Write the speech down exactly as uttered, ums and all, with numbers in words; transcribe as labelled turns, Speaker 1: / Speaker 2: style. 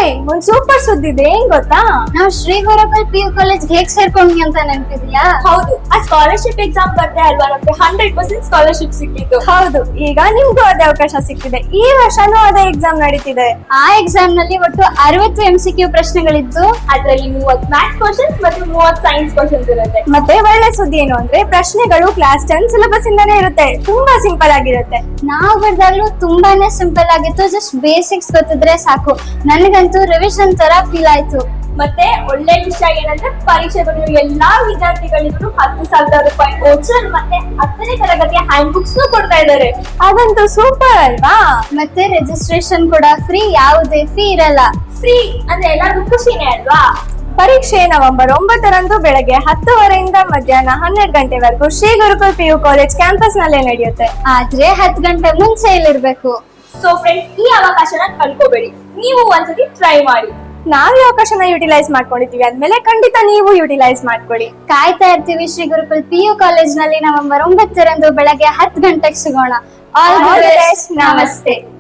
Speaker 1: ಒಂದ್ ಸೂಪರ್ ಸುದ್ದಿ ಇದೆ, ಏನ್ ಗೊತ್ತಾ?
Speaker 2: ನಾವ್ Shri Gurukul P U college ಹೇಗ್ ಸೇರ್ಕೊಂಡ್ವಿ ಅಂತ ನೆನಪಿದ್ಯಾ?
Speaker 3: ಹೌದು, ಆ ಸ್ಕಾಲರ್ಶಿಪ್ ಎಕ್ಸಾಮ್ ಬರ್ದೆ ಅಲ್ವಾ, ನಮ್ಗೆ ಹಂಡ್ರೆಡ್ ಪರ್ಸೆಂಟ್ ಸ್ಕಾಲರ್ಶಿಪ್ ಸಿಕ್ಕಿತ್ತು.
Speaker 1: ಹೌದು, ಈಗ ನಿಮ್ಗೂ ಅದೇ ಅವಕಾಶ ಸಿಕ್ಕಿದೆ. ಈ ವರ್ಷನೂ ಅದೇ ಎಕ್ಸಾಮ್ ನಡೀತಿದೆ.
Speaker 2: ಆ ಎಕ್ಸಾಮ್ ನಲ್ಲಿ ಒಟ್ಟು ಅರವತ್ತು ಎಂ ಸಿ ಕ್ಯೂ ಪ್ರಶ್ನೆಗಳಿದ್ದು,
Speaker 3: ಅದ್ರಲ್ಲಿ ಮೂವತ್ ಮ್ಯಾಥ್ಸ್ ಕ್ವಶನ್ಸ್ ಮತ್ತೆ ಮೂವತ್ ಸೈನ್ಸ್ ಕ್ವಶನ್ಸ್ ಇರುತ್ತೆ.
Speaker 1: ಮತ್ತೆ ಒಳ್ಳೆ ಸುದ್ದಿ ಏನು ಅಂದ್ರೆ ಪ್ರಶ್ನೆಗಳು ಕ್ಲಾಸ್ ಟೆನ್ ಸಿಲೆಬಸ್ ಇಂದಾನೇ ಇರುತ್ತೆ. ತುಂಬಾ ಸಿಂಪಲ್ ಆಗಿರುತ್ತೆ.
Speaker 2: ನಾವು ಬರ್ದಾಗ್ಲೂ ತುಂಬಾನೇ ಸಿಂಪಲ್ ಆಗಿತ್ತು. ಜಸ್ಟ್ ಬೇಸಿಕ್ಸ್ ಗೊತ್ತಿದ್ರೆ ಸಾಕು. ನನಗಂತೂ ರಿವಿಷನ್ ತರ ಫೀಲ್ ಆಯ್ತು.
Speaker 3: ಮತ್ತೆ ಒಳ್ಳೆ ವಿಷಯ ಏನಂದ್ರೆ ಪರೀಕ್ಷೆ ಬರೆಯುವ ಎಲ್ಲಾ ವಿದ್ಯಾರ್ಥಿಗಳಿಗೂ ಹತ್ತು ಸಾವಿರ ರೂಪಾಯಿ ವೋಚರ್ ಮತ್ತೆ ಹತ್ತನೇ ತರಗತಿಯ ಹ್ಯಾಂಡ್ ಬುಕ್ಸ್ ಕೊಡ್ತಾ ಇದ್ದಾರೆ.
Speaker 1: ಅದಂತೂ ಸೂಪರ್ ಅಲ್ವಾ?
Speaker 2: ಮತ್ತೆ ರಿಜಿಸ್ಟ್ರೇಷನ್ ಕೂಡ ಫ್ರೀ, ಯಾವುದೇ ಫೀ ಇರಲ್ಲ.
Speaker 3: ಫ್ರೀ ಅಂದ್ರೆ ಎಲ್ಲರಿಗೂ ಖುಷಿನೇ ಅಲ್ವಾ?
Speaker 1: ಪರೀಕ್ಷೆ ನವೆಂಬರ್ ಒಂಬತ್ತರಂದು ಬೆಳಗ್ಗೆ ಹತ್ತುವರೆಯಿಂದ ಮಧ್ಯಾಹ್ನ ಹನ್ನೆರಡು ಗಂಟೆವರೆಗೂ Shri Gurukul P U college campus ನಲ್ಲೇ ನಡೆಯುತ್ತೆ.
Speaker 2: ಆದ್ರೆ ಹತ್ತು ಗಂಟೆ ಮುಂಚೆ ಇಲ್ಲಿರ್ಬೇಕು.
Speaker 3: ಸೊ ಫ್ರೆಂಡ್ಸ್, ಈ ಅವಕಾಶನ ಕಳ್ಕೋಬೇಡಿ. ನೀವು ಒಂದ್ಸತಿ ಟ್ರೈ ಮಾಡಿ.
Speaker 1: ನಾವ್ ಈ ಅವಕಾಶನ ಯುಟಿಲೈಸ್ ಮಾಡ್ಕೊಂಡಿದೀವಿ ಅಂದ್ಮೇಲೆ ಖಂಡಿತ ನೀವು ಯುಟಿಲೈಸ್ ಮಾಡ್ಕೊಳ್ಳಿ.
Speaker 2: ಕಾಯ್ತಾ ಇರ್ತೀವಿ Shri Gurukul P U college ನಲ್ಲಿ ನವೆಂಬರ್ ಒಂಬತ್ತರಂದು ಬೆಳಗ್ಗೆ ಹತ್ತು ಗಂಟೆಗೆ ಸಿಗೋಣ. All the best. ನಮಸ್ತೆ.